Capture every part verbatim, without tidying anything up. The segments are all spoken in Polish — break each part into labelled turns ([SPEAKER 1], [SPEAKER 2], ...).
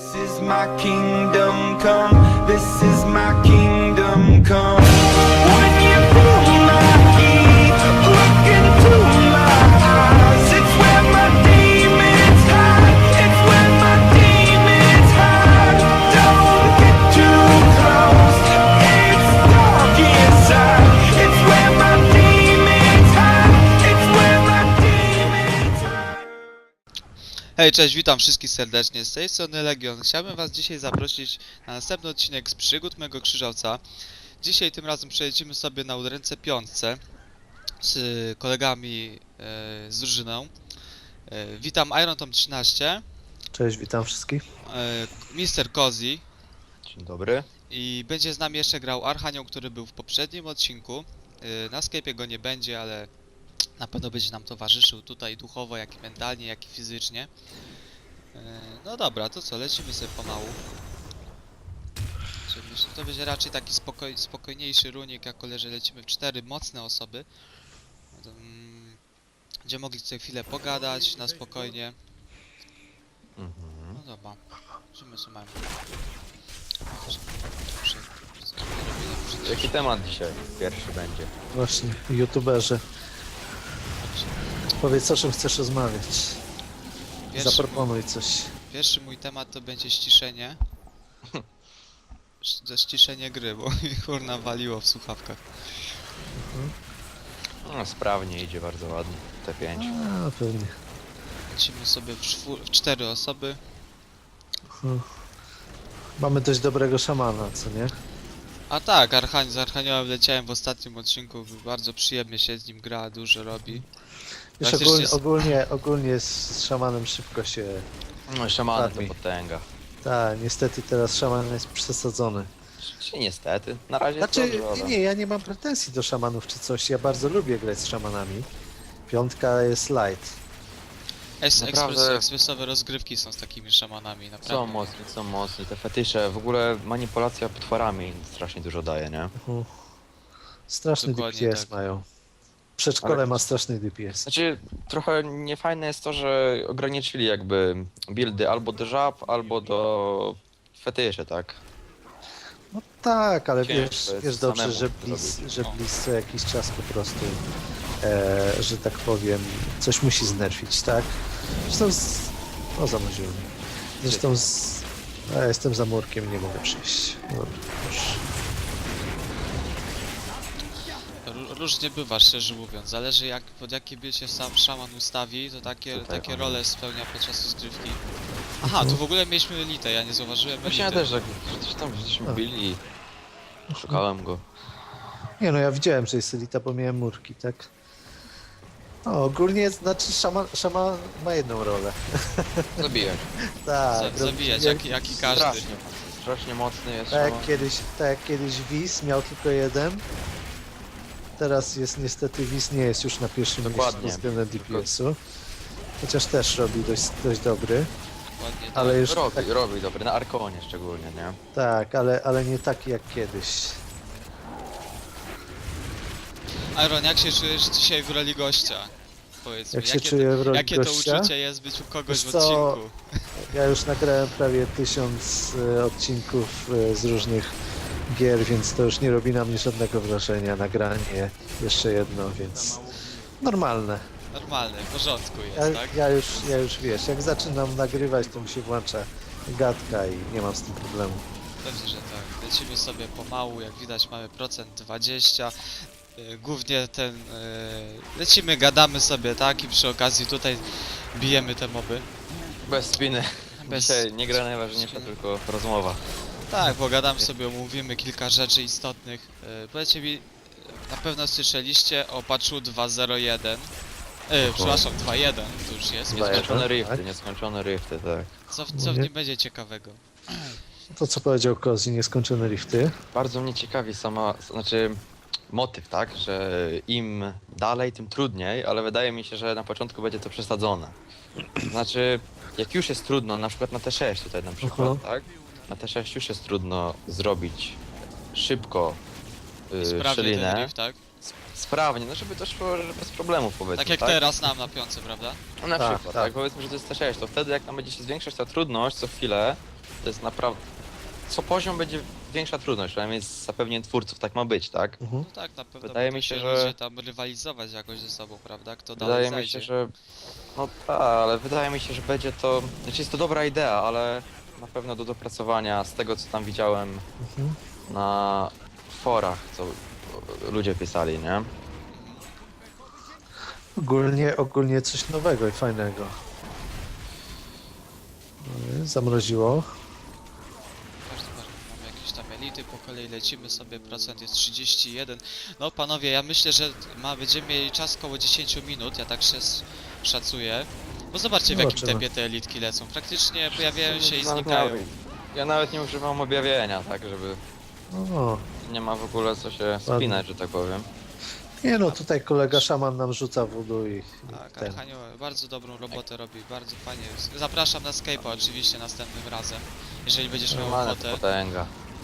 [SPEAKER 1] is my kingdom come, this is my kingdom come. When you feel my heat, look into my eyes. It's where my demons hide, it's where my demons hide. Don't get too close, it's dark inside. It's where my demons hide, it's where my demons hide.
[SPEAKER 2] Hej, cześć, witam wszystkich serdecznie, z tej strony Legion. Chciałbym was dzisiaj zaprosić na następny odcinek z przygód mego krzyżowca. Dzisiaj tym razem przejedziemy sobie na udręce piątce z kolegami e, z drużyną. E, witam Iron Tom trzynaście,
[SPEAKER 3] Cześć, witam wszystkich.
[SPEAKER 2] e, mister Cozy
[SPEAKER 4] Dzień dobry.
[SPEAKER 2] i będzie z nami jeszcze grał Archanioł, który był w poprzednim odcinku. E, na Skype'ie go nie będzie, ale na pewno będzie nam towarzyszył tutaj duchowo, jak i mentalnie, jak i fizycznie. E, No dobra, to co, lecimy sobie pomału. Czyli myślę, to będzie raczej taki spokoj, spokojniejszy runik, jako że lecimy w cztery mocne osoby. No to, mm, Gdzie mogli sobie chwilę pogadać na spokojnie.
[SPEAKER 4] Mhm.
[SPEAKER 2] No dobra, lecimy sobie mamy.
[SPEAKER 4] Jaki temat dzisiaj pierwszy będzie?
[SPEAKER 3] Właśnie, youtuberzy. Powiedz, o czym chcesz rozmawiać.
[SPEAKER 2] Pierwszy,
[SPEAKER 3] Zaproponuj coś.
[SPEAKER 2] pierwszy mój temat to będzie ściszenie. Sz- Ściszenie gry, bo mi kurna waliło w słuchawkach.
[SPEAKER 4] No, sprawnie idzie, bardzo ładnie. T pięć.
[SPEAKER 3] A, pewnie.
[SPEAKER 2] Lecimy sobie w, czwór- w cztery osoby.
[SPEAKER 3] Hmm. Mamy dość dobrego szamana, co nie?
[SPEAKER 2] A tak, Archań, z Archaniołem leciałem w ostatnim odcinku, bardzo przyjemnie się z nim gra, dużo robi.
[SPEAKER 3] Wiesz,
[SPEAKER 2] Praktycznie
[SPEAKER 3] ogólnie,
[SPEAKER 2] z-
[SPEAKER 3] ogólnie, ogólnie z szamanem szybko się...
[SPEAKER 4] No, szamany to
[SPEAKER 3] Ładnie.
[SPEAKER 4] potęga.
[SPEAKER 3] Tak, niestety teraz szaman jest przesadzony.
[SPEAKER 4] Czy niestety? Na razie
[SPEAKER 3] Znaczy,
[SPEAKER 4] jest dobrze, ale...
[SPEAKER 3] nie, ja nie mam pretensji do szamanów czy coś. Ja bardzo lubię grać z szamanami. Piątka jest light.
[SPEAKER 2] Es,
[SPEAKER 4] Naprawdę-
[SPEAKER 2] ekspres, ekspresowe rozgrywki są z takimi szamanami, naprawdę.
[SPEAKER 4] Są mocni, są mocni. Te fetysze, w ogóle manipulacja potworami strasznie dużo daje, nie?
[SPEAKER 3] Mhm. Straszny
[SPEAKER 2] Dokładnie
[SPEAKER 3] D P S
[SPEAKER 2] tak.
[SPEAKER 3] mają. Przedszkole
[SPEAKER 4] Ale-
[SPEAKER 3] ma straszny D P S.
[SPEAKER 4] Znaczy, trochę niefajne jest to, że ograniczyli jakby buildy albo do żab, albo do fetyszy, tak?
[SPEAKER 3] No tak, ale
[SPEAKER 4] Ciężko
[SPEAKER 3] wiesz,
[SPEAKER 4] jest
[SPEAKER 3] wiesz dobrze,
[SPEAKER 4] samemu
[SPEAKER 3] że
[SPEAKER 4] to
[SPEAKER 3] Blizz,
[SPEAKER 4] zrobić.
[SPEAKER 3] że
[SPEAKER 2] No.
[SPEAKER 3] Blizz co jakiś czas po prostu, e, że tak powiem, coś musi znerfić, tak? Zresztą z... O, zamroziło mnie. Zresztą z... A ja jestem za murkiem, nie mogę przyjść. Dobra, już.
[SPEAKER 2] Ró- Różnie bywa, szczerze mówiąc. Zależy jak, pod jakie by się sam szaman ustawi, to takie,
[SPEAKER 4] Tutaj
[SPEAKER 2] takie
[SPEAKER 4] on.
[SPEAKER 2] role spełnia podczas rozgrywki. Aha, tu w ogóle mieliśmy elitę, ja nie zauważyłem
[SPEAKER 4] Właśnie ja
[SPEAKER 2] elity.
[SPEAKER 4] też, że że coś tam żeśmy
[SPEAKER 3] A.
[SPEAKER 4] byli i szukałem go.
[SPEAKER 3] Nie no, ja widziałem, że jest elita, bo miałem murki, tak? No, ogólnie, znaczy szama, szama ma jedną rolę.
[SPEAKER 4] Zabijać.
[SPEAKER 3] Tak,
[SPEAKER 2] Za-
[SPEAKER 3] robi-
[SPEAKER 2] zabijać,
[SPEAKER 3] jak-
[SPEAKER 2] jak, jak i każdy.
[SPEAKER 4] Strasznie, strasznie mocny jest
[SPEAKER 3] Tak
[SPEAKER 4] szaman.
[SPEAKER 3] jak kiedyś, tak jak kiedyś Wiz miał tylko jeden. Teraz jest niestety Wiz nie jest już na pierwszym
[SPEAKER 4] Dokładnie.
[SPEAKER 3] miejscu względem D P S-u. Chociaż też robi dość, dość dobry.
[SPEAKER 2] Ładnie, tak.
[SPEAKER 3] Ale już
[SPEAKER 4] Robi,
[SPEAKER 3] tak,
[SPEAKER 4] robi dobry, na Arkonie szczególnie, nie?
[SPEAKER 3] tak ale, ale nie taki jak kiedyś.
[SPEAKER 2] Iron, jak się czujesz dzisiaj w roli gościa? Powiedz
[SPEAKER 3] Jak
[SPEAKER 2] mi,
[SPEAKER 3] się
[SPEAKER 2] jakie,
[SPEAKER 3] czuję w
[SPEAKER 2] to,
[SPEAKER 3] roli
[SPEAKER 2] jakie to
[SPEAKER 3] gościa?
[SPEAKER 2] uczucie jest być u kogoś
[SPEAKER 3] Wiesz
[SPEAKER 2] w
[SPEAKER 3] co,
[SPEAKER 2] odcinku?
[SPEAKER 3] Ja już nagrałem prawie tysiąc e, odcinków e, z różnych gier, więc to już nie robi na mnie żadnego wrażenia. Nagranie jeszcze jedno, więc normalne.
[SPEAKER 2] Normalne, w porządku
[SPEAKER 3] Ja,
[SPEAKER 2] jest, tak?
[SPEAKER 3] ja, już, ja już wiesz, jak zaczynam nagrywać, to mi się włącza gadka i nie mam z tym problemu.
[SPEAKER 2] Pewnie, że tak. Lecimy sobie pomału, jak widać mamy procent dwadzieścia. Yy, Głównie ten... Yy, lecimy, gadamy sobie, tak? I przy okazji tutaj bijemy te moby.
[SPEAKER 4] Bez spiny.
[SPEAKER 2] Bez-
[SPEAKER 4] Dzisiaj nie gra najważniejsza,
[SPEAKER 2] spiny.
[SPEAKER 4] tylko rozmowa.
[SPEAKER 2] Tak, pogadamy sobie, omówimy kilka rzeczy istotnych. Yy, Powiedzcie mi, yy, na pewno słyszeliście o patchu dwa zero jeden. Yy, przepraszam, dwa jeden to już jest.
[SPEAKER 3] Dwa jeden.
[SPEAKER 4] Nieskończone rifty,
[SPEAKER 3] tak?
[SPEAKER 4] nieskończone rifty, tak.
[SPEAKER 2] Co, w- co w
[SPEAKER 3] Nie.
[SPEAKER 2] nim będzie ciekawego?
[SPEAKER 3] To co powiedział Kozi, nieskończone rifty.
[SPEAKER 4] Bardzo mnie ciekawi sama, znaczy motyw, tak, że im dalej, tym trudniej, ale wydaje mi się, że na początku będzie to przesadzone. Znaczy, jak już jest trudno, na przykład na T sześć tutaj na przykład,
[SPEAKER 3] Mhm.
[SPEAKER 4] tak? Na T sześć już jest trudno zrobić szybko yy,
[SPEAKER 2] Sprawnie ten
[SPEAKER 4] szczelinę,
[SPEAKER 2] riff, tak?
[SPEAKER 4] sprawnie, no żeby to szło że bez problemów powiedzmy,
[SPEAKER 2] Tak jak teraz nam na piątce, prawda?
[SPEAKER 4] No na
[SPEAKER 3] Tak,
[SPEAKER 4] przykład,
[SPEAKER 3] tak.
[SPEAKER 4] tak. Powiedzmy, że to jest T sześć, to wtedy jak tam będzie się zwiększać ta trudność co chwilę, To jest naprawdę... Co poziom będzie większa trudność, przynajmniej z zapewnieniem twórców tak ma być, tak?
[SPEAKER 3] Mhm.
[SPEAKER 2] No tak, na pewno
[SPEAKER 4] Wydaje
[SPEAKER 2] będą
[SPEAKER 4] mi się,
[SPEAKER 2] się
[SPEAKER 4] że-
[SPEAKER 2] ludzie tam rywalizować jakoś ze sobą, prawda? Kto dalej
[SPEAKER 4] Wydaje mi
[SPEAKER 2] zajdzie.
[SPEAKER 4] się, że... No tak, ale wydaje mi się, że będzie to... Znaczy jest to dobra idea, ale na pewno do dopracowania z tego, co tam widziałem
[SPEAKER 3] Mhm.
[SPEAKER 4] na forach, co ludzie pisali, nie?
[SPEAKER 3] Ogólnie, ogólnie coś nowego i fajnego. No, zamroziło.
[SPEAKER 2] Każdy mamy jakieś tam elity, po kolei lecimy sobie, procent jest trzydzieści jeden. No panowie, ja myślę, że ma, będziemy mieli czas około dziesięć minut, ja tak się s- szacuję. Bo zobaczcie w jakim
[SPEAKER 3] Zobaczymy.
[SPEAKER 2] tempie te elitki lecą. Praktycznie pojawiają się i
[SPEAKER 4] Nawet
[SPEAKER 2] znikają.
[SPEAKER 4] nie- Ja nawet nie używam objawienia, tak, żeby...
[SPEAKER 3] O,
[SPEAKER 4] Nie ma w ogóle co się spinać, że tak powiem.
[SPEAKER 3] nie no, tutaj kolega szaman nam rzuca wodu i, i
[SPEAKER 2] Tak,
[SPEAKER 3] ten.
[SPEAKER 2] Archanio bardzo dobrą robotę robi, bardzo fajnie. Zapraszam na Skype'a oczywiście następnym razem, jeżeli będziesz miał
[SPEAKER 4] Normalna
[SPEAKER 2] ochotę.
[SPEAKER 4] potęga.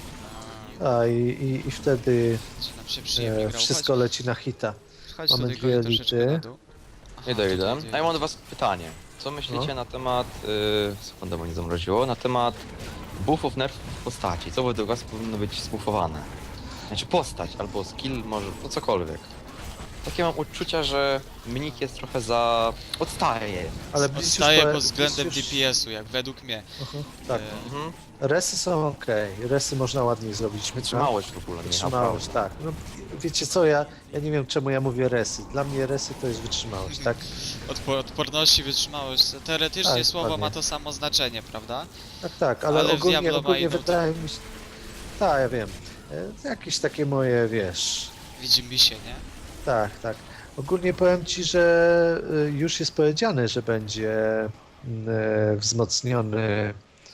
[SPEAKER 3] A i, i, i wtedy
[SPEAKER 2] Będzie nam się przyjemnie
[SPEAKER 3] e,
[SPEAKER 2] grało.
[SPEAKER 3] wszystko leci na hita.
[SPEAKER 2] Chodź
[SPEAKER 3] mamy
[SPEAKER 2] tutaj
[SPEAKER 3] dwie
[SPEAKER 2] Goni, troszeczkę
[SPEAKER 3] elity.
[SPEAKER 2] na dół. Aha,
[SPEAKER 4] Idę, idę.
[SPEAKER 2] tutaj
[SPEAKER 4] A ja mam do was pytanie. Co myślicie
[SPEAKER 3] No.
[SPEAKER 4] na temat... Yy, sekundę, bo nie zamroziło. Na temat buffów, nerfów w postaci. Co według was powinno być zbuffowane? Znaczy postać, albo skill, może, no cokolwiek. Takie mam uczucia, że mnich jest trochę za... odstaje.
[SPEAKER 3] Ale Blitz już
[SPEAKER 2] Odstaje
[SPEAKER 3] powie-
[SPEAKER 2] pod względem
[SPEAKER 3] Blitz
[SPEAKER 2] D
[SPEAKER 3] już-
[SPEAKER 2] P S-u, jak według mnie.
[SPEAKER 3] Aha, tak.
[SPEAKER 2] E,
[SPEAKER 4] Mhm.
[SPEAKER 3] Resy są ok. Resy można ładniej zrobić.
[SPEAKER 4] Wytrzymałość w ogóle, nie
[SPEAKER 3] Wytrzymałość, tak. No, wiecie co, ja, ja nie wiem czemu ja mówię resy. Dla mnie resy to jest wytrzymałość, tak?
[SPEAKER 2] Odpo- odporności, wytrzymałość. Teoretycznie
[SPEAKER 3] Tak,
[SPEAKER 2] słowo
[SPEAKER 3] dokładnie.
[SPEAKER 2] ma to samo znaczenie, prawda?
[SPEAKER 3] Tak, tak, ale,
[SPEAKER 2] Ale w
[SPEAKER 3] ogólnie,
[SPEAKER 2] Diablo ma
[SPEAKER 3] ogólnie
[SPEAKER 2] inną
[SPEAKER 3] wydaje mi się... Tak, ja wiem. E, Jakieś takie moje, wiesz...
[SPEAKER 2] Widzi mi się, nie?
[SPEAKER 3] Tak, tak. Ogólnie powiem ci, że y, już jest powiedziane, że będzie mm, e, wzmocniony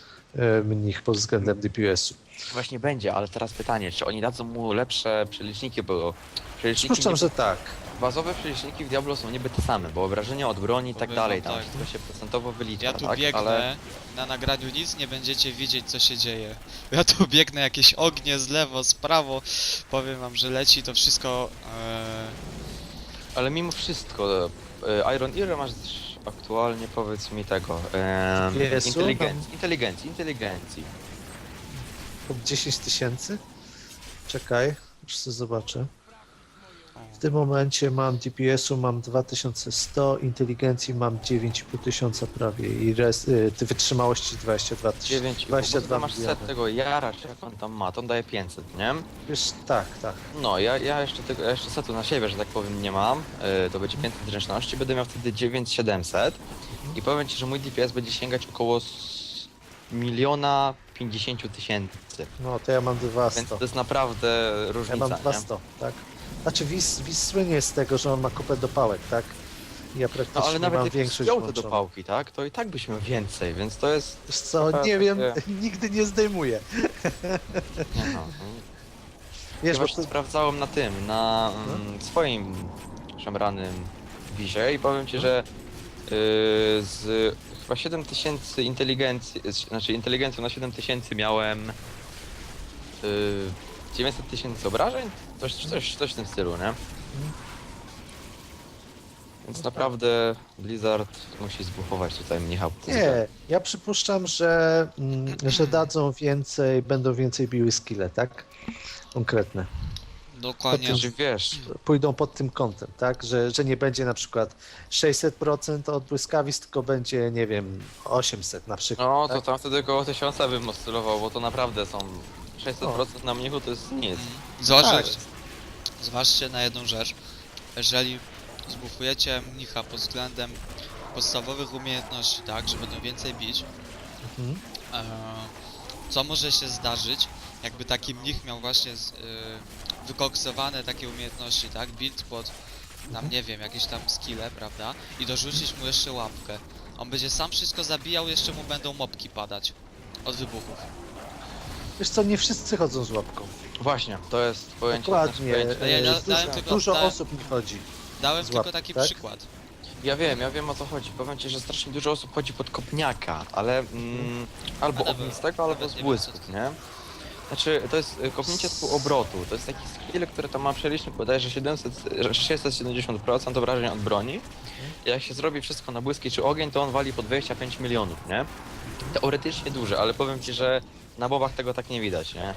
[SPEAKER 3] e, mnich pod względem D P S-u.
[SPEAKER 4] Właśnie będzie, ale teraz pytanie, czy oni dadzą mu lepsze przeliczniki, bo przeliczniki
[SPEAKER 3] Przypuszczam,
[SPEAKER 4] nie-
[SPEAKER 3] że tak.
[SPEAKER 4] bazowe przeliczniki w Diablo są niby te same, bo obrażenia od broni i tak
[SPEAKER 2] Powiem
[SPEAKER 4] dalej,
[SPEAKER 2] wam
[SPEAKER 4] tam
[SPEAKER 2] tak.
[SPEAKER 4] wszystko się procentowo wylicza,
[SPEAKER 2] Ja tu
[SPEAKER 4] tak?
[SPEAKER 2] biegnę,
[SPEAKER 4] Ale
[SPEAKER 2] na nagraniu nic nie będziecie widzieć co się dzieje. Ja tu biegnę, jakieś ognie z lewo, z prawo. Powiem wam, że leci to wszystko... E...
[SPEAKER 4] Ale mimo wszystko, e, Iron Ear masz aktualnie, powiedz mi tego, e,
[SPEAKER 3] Jezu,
[SPEAKER 4] inteligencji,
[SPEAKER 3] tam-
[SPEAKER 4] inteligencji, inteligencji.
[SPEAKER 3] Pod dziesięć tysięcy? Czekaj, już sobie zobaczę.
[SPEAKER 2] o.
[SPEAKER 3] W tym momencie mam D P S-u mam dwa tysiące sto, inteligencji mam dziewięć i pół tysiąca prawie i res, y, ty wytrzymałości dwadzieścia dwa tysiące.
[SPEAKER 4] dziewięć,
[SPEAKER 3] dwadzieścia
[SPEAKER 4] bo
[SPEAKER 3] dwa
[SPEAKER 4] ty masz
[SPEAKER 3] miliony.
[SPEAKER 4] set tego Jara, czy jak on tam ma, to on daje pięćset, nie?
[SPEAKER 3] Wiesz, tak, tak.
[SPEAKER 4] No, ja, ja jeszcze tego, ja jeszcze setu na siebie, że tak powiem, nie mam, e, to będzie pięćset zręczności, będę miał wtedy dziewięć tysięcy siedemset i powiem ci, że mój D P S będzie sięgać około s- miliona pięćdziesięciu tysięcy,
[SPEAKER 3] No to ja mam
[SPEAKER 4] więc
[SPEAKER 3] dwieście.
[SPEAKER 4] to jest naprawdę
[SPEAKER 3] Ja
[SPEAKER 4] różnica,
[SPEAKER 3] mam
[SPEAKER 4] nie?
[SPEAKER 3] dwieście, tak? Znaczy Wiz, Wiz słynie z tego, że on ma kupę dopałek, tak? I ja praktycznie
[SPEAKER 4] No ale nawet
[SPEAKER 3] mam
[SPEAKER 4] jak
[SPEAKER 3] większość
[SPEAKER 4] wziął te
[SPEAKER 3] włączoną.
[SPEAKER 4] dopałki, tak, to i tak byś miał więcej, więc to jest...
[SPEAKER 3] Wiesz co,
[SPEAKER 4] Tak,
[SPEAKER 3] nie wiem,
[SPEAKER 4] takie-
[SPEAKER 3] nigdy nie zdejmuję.
[SPEAKER 4] Nie no,
[SPEAKER 3] Wiesz,
[SPEAKER 4] ja
[SPEAKER 3] bo
[SPEAKER 4] właśnie
[SPEAKER 3] to,
[SPEAKER 4] sprawdzałem na tym, na mm, swoim szemranym wizie i powiem ci, że yy, z chyba siedem tysięcy inteligencji, z- znaczy inteligencją na siedem tysięcy miałem yy, dziewięćset tysięcy obrażeń? Coś, coś, coś w tym stylu, nie? Więc naprawdę Blizzard musi zbuchować tutaj mnicha.
[SPEAKER 3] nie, ja przypuszczam, że, mm, że dadzą więcej, będą więcej biły skille, tak? Konkretne.
[SPEAKER 2] Dokładnie.
[SPEAKER 4] Znaczy wiesz,
[SPEAKER 3] Pójdą pod tym kątem, tak? Że, że nie będzie na przykład sześćset procent od błyskawic, tylko będzie, nie wiem, osiemset na przykład.
[SPEAKER 4] no to
[SPEAKER 3] tak?
[SPEAKER 4] tam wtedy około tysiąca bym oscylował, bo to naprawdę są sześćset procent na mnichu to jest nic.
[SPEAKER 2] Zważcie,
[SPEAKER 3] Tak.
[SPEAKER 2] zważcie na jedną rzecz. Jeżeli zbufujecie mnicha pod względem podstawowych umiejętności, tak, że będą więcej bić,
[SPEAKER 3] Mhm.
[SPEAKER 2] e, co może się zdarzyć, jakby taki mnich miał właśnie z, e, wykoksowane takie umiejętności, tak, build pod tam, nie wiem, jakieś tam skille, prawda, i dorzucić mu jeszcze łapkę. On będzie sam wszystko zabijał, jeszcze mu będą mopki padać od wybuchów.
[SPEAKER 3] Wiesz co, nie wszyscy chodzą z łapką.
[SPEAKER 4] Właśnie, to jest pojęcie.
[SPEAKER 3] Dokładnie.
[SPEAKER 4] znaczy pojęcie-
[SPEAKER 2] Ja
[SPEAKER 3] e,
[SPEAKER 2] da-
[SPEAKER 3] dużo
[SPEAKER 2] dałem tylko-
[SPEAKER 3] dużo
[SPEAKER 2] dałem-
[SPEAKER 3] osób mi chodzi.
[SPEAKER 2] Dałem
[SPEAKER 3] Z
[SPEAKER 2] tylko
[SPEAKER 3] łapki,
[SPEAKER 2] taki
[SPEAKER 3] tak?
[SPEAKER 2] przykład.
[SPEAKER 4] Ja wiem, ja wiem o co chodzi. Powiem ci, że strasznie dużo osób chodzi pod kopniaka, ale mm, albo
[SPEAKER 2] Ale
[SPEAKER 4] ognistego, albo
[SPEAKER 2] nawet
[SPEAKER 4] z
[SPEAKER 2] nie wiem,
[SPEAKER 4] błysków,
[SPEAKER 2] co to-
[SPEAKER 4] nie? Znaczy, to jest y, kopnięcie z półobrotu. To jest taki skill, który tam ma przelicznik bodajże siedemset, że sześćset siedemdziesiąt procent obrażeń od broni. I jak się zrobi wszystko na błyski czy ogień, to on wali po dwadzieścia pięć milionów, nie? Teoretycznie duże, ale powiem ci, że na mobach tego tak nie widać, nie?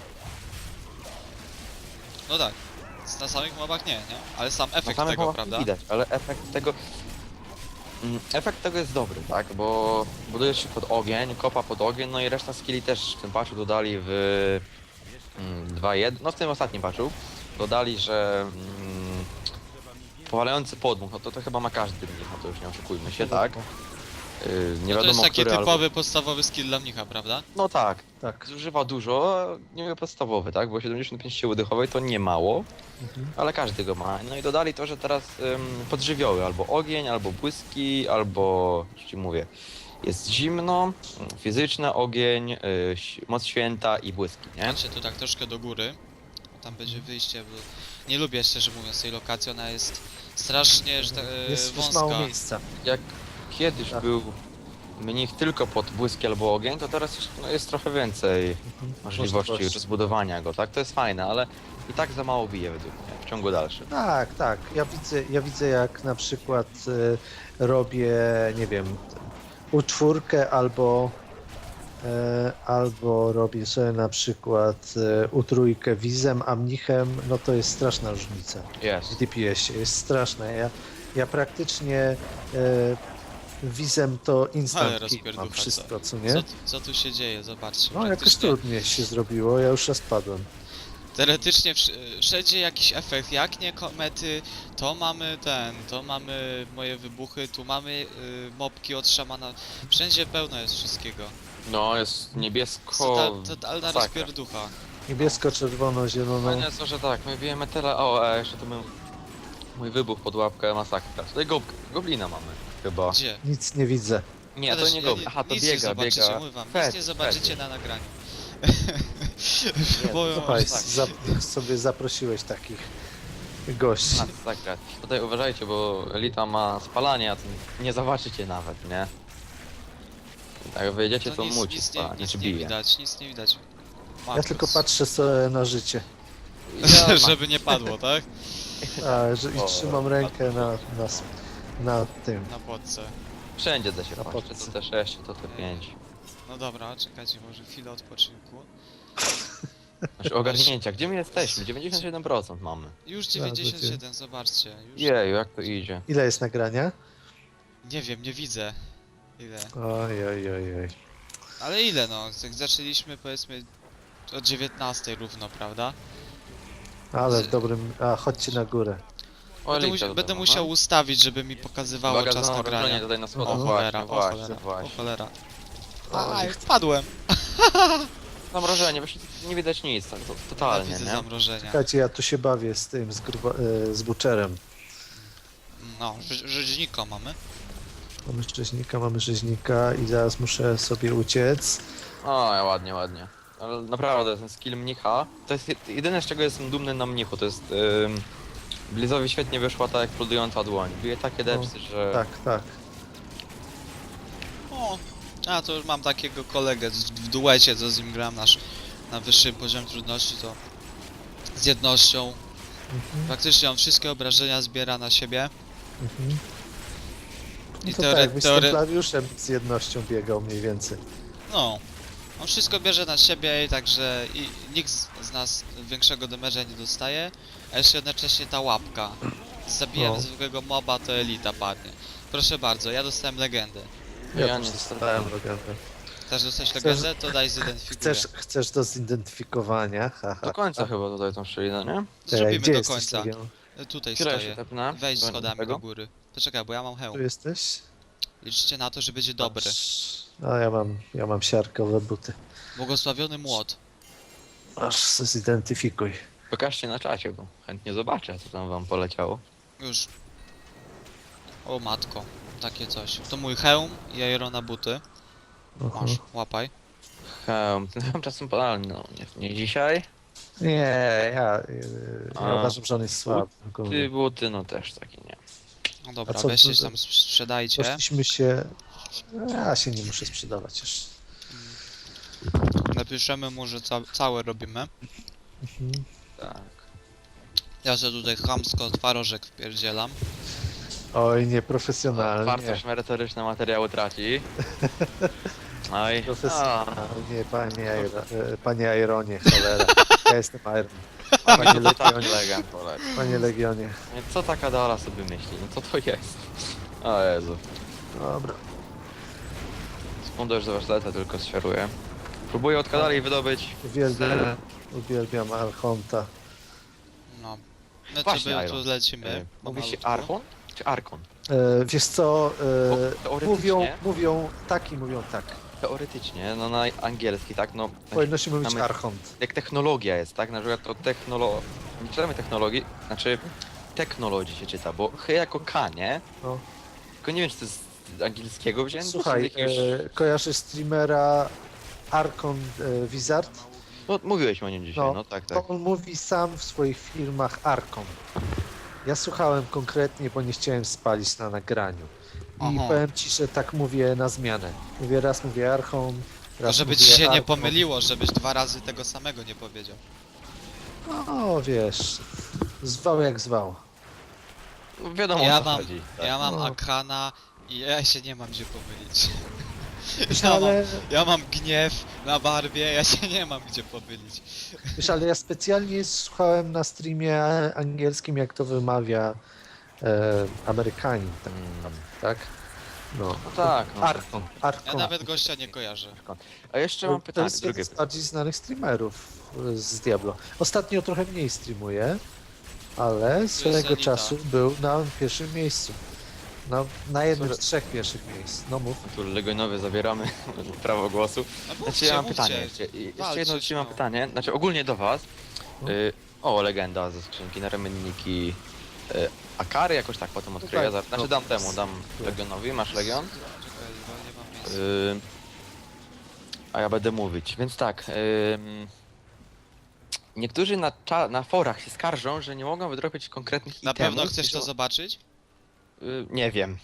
[SPEAKER 2] No tak. Na samych mobach nie, nie? Ale sam
[SPEAKER 4] Na
[SPEAKER 2] efekt
[SPEAKER 4] samych
[SPEAKER 2] tego,
[SPEAKER 4] mobach
[SPEAKER 2] prawda?
[SPEAKER 4] nie widać, ale efekt tego... Mm, Efekt tego jest dobry, tak? Bo budujesz się pod ogień, kopa pod ogień, no i reszta skilli też w tym patchu dodali w mm, dwa jeden, no w tym ostatnim patchu dodali, że mm, powalający podmuch, no to to chyba ma każdy mnich, no to już nie oszukujmy się, tak? Yy, nie
[SPEAKER 2] No to
[SPEAKER 4] wiadomo,
[SPEAKER 2] jest taki
[SPEAKER 4] który
[SPEAKER 2] typowy,
[SPEAKER 4] albo...
[SPEAKER 2] podstawowy skill dla mnicha, prawda?
[SPEAKER 4] No tak,
[SPEAKER 3] Tak.
[SPEAKER 4] zużywa dużo, nie mówię podstawowy, tak? Bo siedemdziesiąt pięć siły dychowej to nie mało,
[SPEAKER 3] Mhm.
[SPEAKER 4] ale każdy go ma. No i dodali to, że teraz ym, podżywioły, albo ogień, albo błyski, albo, już ci mówię, jest zimno, fizyczne, ogień, yy, ś- moc święta i błyski, nie?
[SPEAKER 2] Patrzcie tu tak troszkę do góry. Tam będzie wyjście, bo nie lubię szczerze mówiąc tej lokacji, ona jest strasznie że, tak, e,
[SPEAKER 3] Jest już
[SPEAKER 2] wąska.
[SPEAKER 3] mało miejsca.
[SPEAKER 4] Jak kiedyś
[SPEAKER 3] Tak.
[SPEAKER 4] był mnich tylko pod błyski albo ogień, to teraz już, no, jest trochę więcej
[SPEAKER 3] Mhm.
[SPEAKER 4] możliwości rozbudowania go, tak? To jest fajne, ale i tak za mało bije według mnie w ciągu dalszym.
[SPEAKER 3] Tak, tak. Ja widzę, ja widzę jak na przykład y, robię, nie wiem, u czwórkę albo e, albo robię sobie na przykład e, u trójkę wizem, a mnichem, no to jest straszna różnica w
[SPEAKER 4] Jest.
[SPEAKER 3] D P S-ie, jest straszna. Ja, ja praktycznie e, wizem to
[SPEAKER 2] Ale
[SPEAKER 3] instant kill
[SPEAKER 2] rozpierducha,
[SPEAKER 3] mam wszystko, co
[SPEAKER 2] Co,
[SPEAKER 3] nie?
[SPEAKER 2] tu- co tu się dzieje? Zobaczcie.
[SPEAKER 3] No jakoś
[SPEAKER 2] praktycznie-
[SPEAKER 3] trudniej się zrobiło, ja już raz padłem.
[SPEAKER 2] Teoretycznie wsz- wszędzie jakiś efekt, jak nie komety, to mamy ten, to mamy moje wybuchy, tu mamy y, mopki od szamana, wszędzie pełno jest wszystkiego.
[SPEAKER 4] No, jest niebiesko...
[SPEAKER 2] Total, totalna
[SPEAKER 4] masakra.
[SPEAKER 2] rozpierducha.
[SPEAKER 3] Niebiesko, czerwono, zielono.
[SPEAKER 4] Fajne jest to, że tak, my bijemy tyle... O, a jeszcze tu my... Mój wybuch pod łapkę, masakra. Tutaj gob... goblina mamy, chyba.
[SPEAKER 2] Gdzie?
[SPEAKER 3] Nic nie widzę.
[SPEAKER 4] Nie,
[SPEAKER 2] Ja
[SPEAKER 4] to
[SPEAKER 2] też-
[SPEAKER 4] nie
[SPEAKER 2] ja
[SPEAKER 4] goblin. Aha, to
[SPEAKER 2] nic nie
[SPEAKER 4] biega,
[SPEAKER 2] zobaczycie,
[SPEAKER 4] biega.
[SPEAKER 2] mówię wam, nic
[SPEAKER 4] Fed,
[SPEAKER 2] nie zobaczycie
[SPEAKER 4] Fed.
[SPEAKER 2] na nagraniu.
[SPEAKER 4] Nie,
[SPEAKER 2] Powiem
[SPEAKER 4] to
[SPEAKER 2] wam,
[SPEAKER 3] Słuchaj,
[SPEAKER 2] że tak.
[SPEAKER 3] zap- sobie zaprosiłeś takich gości.
[SPEAKER 4] Masakra. Tutaj uważajcie, bo Elita ma spalanie, a to nie zobaczycie nawet, nie? Jak wyjedziecie, to,
[SPEAKER 2] To nic,
[SPEAKER 4] muci
[SPEAKER 2] nic, nie,
[SPEAKER 4] spalanie,
[SPEAKER 2] nic
[SPEAKER 4] czy
[SPEAKER 2] nie
[SPEAKER 4] bije.
[SPEAKER 2] widać, nic nie widać.
[SPEAKER 3] Ja
[SPEAKER 2] Markus.
[SPEAKER 3] tylko patrzę sobie na życie.
[SPEAKER 4] Ja mam-
[SPEAKER 2] Żeby nie padło, tak?
[SPEAKER 3] A, że, I
[SPEAKER 4] O,
[SPEAKER 3] trzymam rękę na, na, s- na tym.
[SPEAKER 2] Na podce.
[SPEAKER 4] Wszędzie da się
[SPEAKER 3] Na
[SPEAKER 4] patrzeć,
[SPEAKER 3] podce.
[SPEAKER 4] to te sześć, to te pięć.
[SPEAKER 2] No dobra, czekajcie, może chwilę odpoczynku.
[SPEAKER 4] Znaczy ogarnięcia, gdzie my jesteśmy? dziewięćdziesiąt siedem procent mamy.
[SPEAKER 2] Już
[SPEAKER 3] Zaraz
[SPEAKER 2] dziewięćdziesiąt siedem,
[SPEAKER 3] będzie.
[SPEAKER 2] zobaczcie. Już...
[SPEAKER 4] Jeju, jak to idzie?
[SPEAKER 3] Ile jest nagrania?
[SPEAKER 2] Nie wiem, nie widzę. Ile.
[SPEAKER 3] Oj, oj, oj, oj.
[SPEAKER 2] Ale ile no? Jak zaczęliśmy powiedzmy o dziewiętnastej równo, prawda?
[SPEAKER 3] Ale
[SPEAKER 2] Z-
[SPEAKER 3] w dobrym... A, chodźcie na górę.
[SPEAKER 4] O,
[SPEAKER 2] Będę,
[SPEAKER 4] Elita
[SPEAKER 2] musi,
[SPEAKER 4] tutaj
[SPEAKER 2] będę
[SPEAKER 4] mamy.
[SPEAKER 2] musiał ustawić, żeby mi pokazywało
[SPEAKER 4] Uwaga,
[SPEAKER 2] czas
[SPEAKER 4] znowu
[SPEAKER 2] nagrania.
[SPEAKER 4] obrażenie tutaj na
[SPEAKER 2] O
[SPEAKER 4] schodach.
[SPEAKER 2] cholera,
[SPEAKER 4] Właśnie,
[SPEAKER 2] o cholera,
[SPEAKER 4] właśnie,
[SPEAKER 2] o
[SPEAKER 4] właśnie.
[SPEAKER 2] cholera.
[SPEAKER 3] O,
[SPEAKER 2] Aj,
[SPEAKER 3] nie-
[SPEAKER 2] wpadłem!
[SPEAKER 4] Zamrożenie, właśnie nie widać nic, tak to,
[SPEAKER 2] Ja
[SPEAKER 4] totalnie,
[SPEAKER 2] widzę
[SPEAKER 4] nie?
[SPEAKER 2] zamrożenia.
[SPEAKER 3] Czekajcie, ja tu się bawię z tym, z, gruba, e, z buczerem.
[SPEAKER 2] No, rze- rzeźnika mamy.
[SPEAKER 3] Mamy rzeźnika, mamy rzeźnika i zaraz muszę sobie uciec.
[SPEAKER 4] O, ładnie, ładnie. Ale naprawdę, ten skill mnicha, to jest jed- jedyne z czego jestem dumny na mnichu, to jest... Ym, Blizowi świetnie wyszła ta eksplodująca dłoń. Bije takie depsy, że...
[SPEAKER 3] Tak, tak.
[SPEAKER 2] O, a to już mam takiego kolegę z- w duecie, co z nim gram nasz na wyższym poziomie trudności, to z jednością.
[SPEAKER 3] Mhm,
[SPEAKER 2] Praktycznie on wszystkie obrażenia zbiera na siebie.
[SPEAKER 3] mhm.
[SPEAKER 2] I
[SPEAKER 3] No to
[SPEAKER 2] teore-
[SPEAKER 3] tak, jakbyś z
[SPEAKER 2] teore-
[SPEAKER 3] templariuszem z jednością biegał mniej więcej.
[SPEAKER 2] No, on wszystko bierze na siebie i także i nikt z, z nas większego damage'a nie dostaje, a jeszcze jednocześnie ta łapka. Zabijemy
[SPEAKER 3] No.
[SPEAKER 2] zwykłego moba, to elita padnie. Proszę bardzo, ja dostałem legendę.
[SPEAKER 3] Ja,
[SPEAKER 4] Ja
[SPEAKER 3] też
[SPEAKER 4] nie
[SPEAKER 3] dostałem
[SPEAKER 4] dostałem.
[SPEAKER 3] legendę.
[SPEAKER 2] Chcesz dostać
[SPEAKER 3] Chcesz-
[SPEAKER 2] legendę? To daj zidentyfikuję.
[SPEAKER 3] Chcesz, chcesz do zidentyfikowania? Haha.
[SPEAKER 4] Do końca chyba tutaj tą szczelinę, nie?
[SPEAKER 2] Zrobimy
[SPEAKER 3] gdzie
[SPEAKER 2] do
[SPEAKER 3] jesteś,
[SPEAKER 2] końca.
[SPEAKER 3] Legion?
[SPEAKER 2] Tutaj
[SPEAKER 4] Chwilę się
[SPEAKER 2] stoję.
[SPEAKER 4] tepnę.
[SPEAKER 2] Wejdź
[SPEAKER 4] Do-
[SPEAKER 2] schodami
[SPEAKER 4] tego.
[SPEAKER 2] do góry. Poczekaj, bo ja mam
[SPEAKER 3] Tu
[SPEAKER 2] hełm.
[SPEAKER 3] jesteś?
[SPEAKER 2] Liczcie na to, że będzie dobry.
[SPEAKER 3] A ja mam, ja mam siarkowe buty.
[SPEAKER 2] Błogosławiony młot.
[SPEAKER 3] Aż se zidentyfikuj.
[SPEAKER 4] Pokażcie na czacie, bo chętnie zobaczę, co tam wam poleciało.
[SPEAKER 2] Już. O matko, takie coś. To mój hełm i Irona buty.
[SPEAKER 3] Aha.
[SPEAKER 2] Masz, łapaj.
[SPEAKER 4] Hełm, ten hełm czasem podalny, no nie, nie dzisiaj.
[SPEAKER 3] Nie, ja, yy, ja
[SPEAKER 4] A.
[SPEAKER 3] uważam, że on jest słaby.
[SPEAKER 4] Ty
[SPEAKER 3] ogólnie.
[SPEAKER 4] buty, no też taki nie.
[SPEAKER 2] No dobra,
[SPEAKER 3] A co
[SPEAKER 2] weźcie
[SPEAKER 3] to-
[SPEAKER 2] się tam sprzedajcie.
[SPEAKER 3] Poszliśmy się... Ja się nie muszę sprzedawać już.
[SPEAKER 2] Na Napiszemy mu, że ca całe robimy.
[SPEAKER 3] Mhm.
[SPEAKER 4] Tak.
[SPEAKER 2] Ja sobie tutaj chamsko twarożek wpierdzielam.
[SPEAKER 3] Oj, nieprofesjonalnie.
[SPEAKER 4] Wartość merytoryczna materiału traci. Oj. A,
[SPEAKER 3] Profesjonalnie, panie, Iron- e, panie Ironie, cholera. Ja jestem Iron.
[SPEAKER 4] mamy
[SPEAKER 3] Panie
[SPEAKER 4] to tak
[SPEAKER 3] Legionie,
[SPEAKER 4] legend, cholera.
[SPEAKER 3] panie Legionie.
[SPEAKER 4] Co taka Dala sobie myśli? No co to jest? O Jezu.
[SPEAKER 3] Dobra.
[SPEAKER 4] Sekundę już zobacz, lecę, tylko sferuję. Próbuję od Kadali wydobyć.
[SPEAKER 3] Uwielbiam, uwielbiam Archonta.
[SPEAKER 2] No. My
[SPEAKER 4] Właśnie,
[SPEAKER 2] sobie
[SPEAKER 4] Iron.
[SPEAKER 2] tu lecimy.
[SPEAKER 4] E, Mówi się
[SPEAKER 2] pomalutku.
[SPEAKER 4] Archon czy Arkon?
[SPEAKER 3] E, wiesz co,
[SPEAKER 4] Bo
[SPEAKER 3] e,
[SPEAKER 4] teoretycznie-
[SPEAKER 3] mówią, mówią tak i mówią tak.
[SPEAKER 4] Teoretycznie, no na angielski, tak, no...
[SPEAKER 3] Powinno się mówić
[SPEAKER 4] mamy-
[SPEAKER 3] Archont.
[SPEAKER 4] Jak technologia jest, tak? Na przykład to technolo... Nie czytamy technologii, znaczy... Technologii się czyta, bo ch jako K, nie?
[SPEAKER 3] No.
[SPEAKER 4] Tylko nie wiem, czy to jest z angielskiego wzięte?
[SPEAKER 3] Słuchaj,
[SPEAKER 4] czy z jakiegoś...
[SPEAKER 3] e, kojarzysz streamera Arkon e, Wizard?
[SPEAKER 4] No mówiłeś o nim dzisiaj,
[SPEAKER 3] no,
[SPEAKER 4] no, tak,
[SPEAKER 3] To
[SPEAKER 4] tak.
[SPEAKER 3] on mówi sam w swoich filmach Arkon. Ja słuchałem konkretnie, bo nie chciałem spalić na nagraniu. I
[SPEAKER 2] Aha.
[SPEAKER 3] powiem ci, że tak mówię na zmianę. Mówię raz mówię Archon,
[SPEAKER 2] To
[SPEAKER 3] raz
[SPEAKER 2] żeby
[SPEAKER 3] mówię
[SPEAKER 2] ci się nie
[SPEAKER 3] Arkon.
[SPEAKER 2] pomyliło, żebyś dwa razy tego samego nie powiedział.
[SPEAKER 3] No wiesz, zwał jak zwał.
[SPEAKER 4] No, wiadomo
[SPEAKER 2] Ja
[SPEAKER 4] o co
[SPEAKER 2] mam,
[SPEAKER 4] chodzi. Tak.
[SPEAKER 2] ja mam
[SPEAKER 3] No.
[SPEAKER 2] Akana i ja się nie mam gdzie pomylić. Ja mam,
[SPEAKER 3] Ale,
[SPEAKER 2] ja mam gniew na barbie, ja się nie mam gdzie pomylić.
[SPEAKER 3] wiesz, ale ja specjalnie słuchałem na streamie angielskim, jak to wymawia e, Amerykanin, tak,
[SPEAKER 4] Mm.
[SPEAKER 3] tak? No.
[SPEAKER 4] No tak, no.
[SPEAKER 3] Arkon,
[SPEAKER 2] Ja
[SPEAKER 3] Arkon.
[SPEAKER 2] nawet gościa nie kojarzę.
[SPEAKER 4] A jeszcze mam
[SPEAKER 3] To
[SPEAKER 4] pytanie,
[SPEAKER 3] jest
[SPEAKER 4] drugie
[SPEAKER 3] jeden z
[SPEAKER 4] pytanie.
[SPEAKER 3] bardziej znanych streamerów e, z Diablo. Ostatnio trochę mniej streamuje, ale swego
[SPEAKER 2] Anita.
[SPEAKER 3] czasu był na pierwszym miejscu. No, na jednym z
[SPEAKER 4] Sorry.
[SPEAKER 3] trzech pierwszych miejsc. No mów.
[SPEAKER 4] Tu Legionowy zabieramy prawo głosu.
[SPEAKER 2] No
[SPEAKER 4] Znaczy
[SPEAKER 2] mówcie,
[SPEAKER 4] ja mam
[SPEAKER 2] mówcie.
[SPEAKER 4] pytanie jeszcze. I Jeszcze
[SPEAKER 2] Walczyć,
[SPEAKER 4] jedno dzisiaj mam
[SPEAKER 2] no.
[SPEAKER 4] pytanie, znaczy ogólnie do was.
[SPEAKER 3] No.
[SPEAKER 4] Y, o, legenda ze skrzynki na ramienniki. Y, Akary jakoś tak potem odkryję.
[SPEAKER 3] tak,
[SPEAKER 4] Za- Znaczy
[SPEAKER 3] no.
[SPEAKER 4] dam temu, dam
[SPEAKER 3] Tak.
[SPEAKER 4] Legionowi, masz Legion?
[SPEAKER 2] Czekaj, bo nie mam miejsca.
[SPEAKER 4] Y, a ja będę mówić, więc tak. ym, niektórzy na, cza- na forach się skarżą, że nie mogą wydropić konkretnych
[SPEAKER 2] Na
[SPEAKER 4] itemów.
[SPEAKER 2] pewno chcesz
[SPEAKER 4] i
[SPEAKER 2] to
[SPEAKER 4] że-
[SPEAKER 2] zobaczyć?
[SPEAKER 4] Y, nie wiem.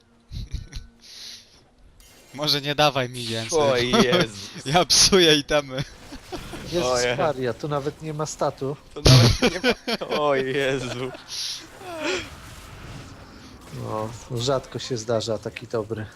[SPEAKER 2] Może nie dawaj mi więcej.
[SPEAKER 4] O Jezu.
[SPEAKER 2] Ja psuję itemy.
[SPEAKER 3] Jezus
[SPEAKER 4] Ojej.
[SPEAKER 3] Maria, tu nawet nie ma statu.
[SPEAKER 4] To nawet nie ma... O Jezu.
[SPEAKER 3] No, rzadko się zdarza taki dobry.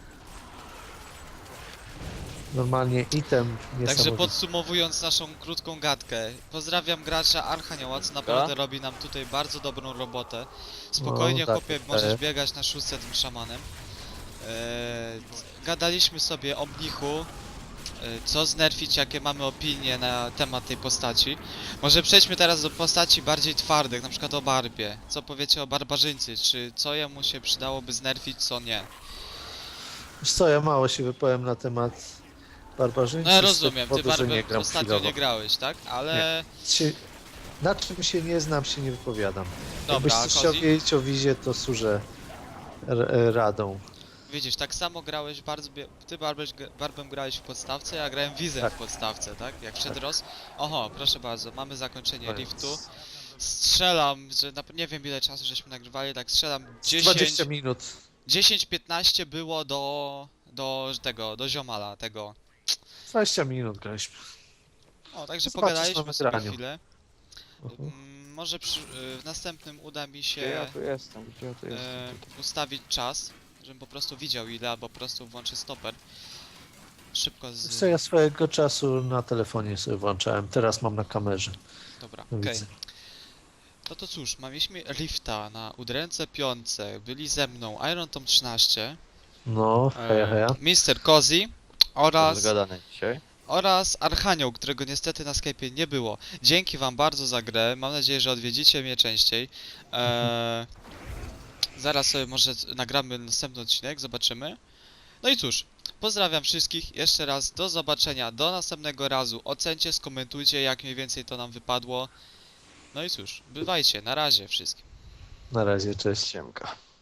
[SPEAKER 3] Normalnie item
[SPEAKER 2] Także
[SPEAKER 3] niesamowity.
[SPEAKER 2] podsumowując naszą krótką gadkę, pozdrawiam gracza Archanioła, co naprawdę
[SPEAKER 4] Tak?
[SPEAKER 2] robi nam tutaj bardzo dobrą robotę. Spokojnie,
[SPEAKER 3] No, tak,
[SPEAKER 2] chłopie,
[SPEAKER 3] tak.
[SPEAKER 2] możesz biegać na szóstce tym szamanem. Eee, gadaliśmy sobie o mnichu, e, co znerfić, jakie mamy opinie na temat tej postaci. Może przejdźmy teraz do postaci bardziej twardych, na przykład o Barbie. Co powiecie o barbarzyńcy? Czy co jemu się przydałoby znerfić, co nie?
[SPEAKER 3] Wiesz co, ja mało się wypowiem na temat barbarzyńcy.
[SPEAKER 2] No ja
[SPEAKER 3] z tego
[SPEAKER 2] rozumiem, ty
[SPEAKER 3] powodu, że
[SPEAKER 2] Barbie
[SPEAKER 3] nie gram
[SPEAKER 2] ostatnio
[SPEAKER 3] chwilowo.
[SPEAKER 2] nie grałeś, tak? Ale...
[SPEAKER 3] Się, na czym się nie znam, się nie wypowiadam.
[SPEAKER 2] Dobra,
[SPEAKER 3] Jakbyś
[SPEAKER 2] a
[SPEAKER 3] coś chciał
[SPEAKER 2] Kozi?
[SPEAKER 3] wiedzieć o Wizie, to służę r- e, radą.
[SPEAKER 2] Widzisz, tak samo grałeś bardzo. Ty Barbem, Barbem grałeś w podstawce, ja grałem Wizem
[SPEAKER 3] Tak.
[SPEAKER 2] w podstawce, tak? Jak wszedł
[SPEAKER 3] Tak.
[SPEAKER 2] Roz. Oho, proszę bardzo, mamy zakończenie
[SPEAKER 4] Koniec.
[SPEAKER 2] liftu. Strzelam, że na, nie wiem ile czasu żeśmy nagrywali, tak strzelam
[SPEAKER 3] dwadzieścia
[SPEAKER 2] dziesięć,
[SPEAKER 3] minut.
[SPEAKER 2] dziesięć piętnaście było do, do tego, do ziomala tego.
[SPEAKER 3] dwadzieścia minut graliśmy.
[SPEAKER 2] O, także
[SPEAKER 3] Zobaczysz
[SPEAKER 2] pogadaliśmy
[SPEAKER 3] na
[SPEAKER 2] sobie
[SPEAKER 3] nagraniu.
[SPEAKER 2] chwilę.
[SPEAKER 3] Mhm.
[SPEAKER 2] Mm, może przy, y, w następnym uda mi
[SPEAKER 4] Gdzie
[SPEAKER 2] się
[SPEAKER 4] ja tu jestem? Gdzie ja tu
[SPEAKER 2] e,
[SPEAKER 4] jestem?
[SPEAKER 2] ustawić czas, żebym po prostu widział ile, albo po prostu włączę stoper. Szybko z...
[SPEAKER 3] Co ja swojego czasu na telefonie sobie włączałem, teraz mam na kamerze.
[SPEAKER 2] Dobra,
[SPEAKER 3] No
[SPEAKER 2] okej.
[SPEAKER 3] widzę.
[SPEAKER 2] No to cóż, mieliśmy Rifta na udręce piątce, byli ze mną Iron Tom trzynaście,
[SPEAKER 3] No, heja, heja.
[SPEAKER 2] mister Cozy oraz,
[SPEAKER 4] Zgadane dzisiaj.
[SPEAKER 2] oraz Archanioł, którego niestety na Skype'ie nie było. Dzięki wam bardzo za grę, mam nadzieję, że odwiedzicie mnie częściej. Eee, zaraz sobie może nagramy następny odcinek, zobaczymy. No i cóż, pozdrawiam wszystkich, jeszcze raz do zobaczenia, do następnego razu. Ocencie, skomentujcie jak mniej więcej to nam wypadło. No i cóż, bywajcie, na razie wszystkim.
[SPEAKER 3] Na razie, cześć.
[SPEAKER 4] Siemka.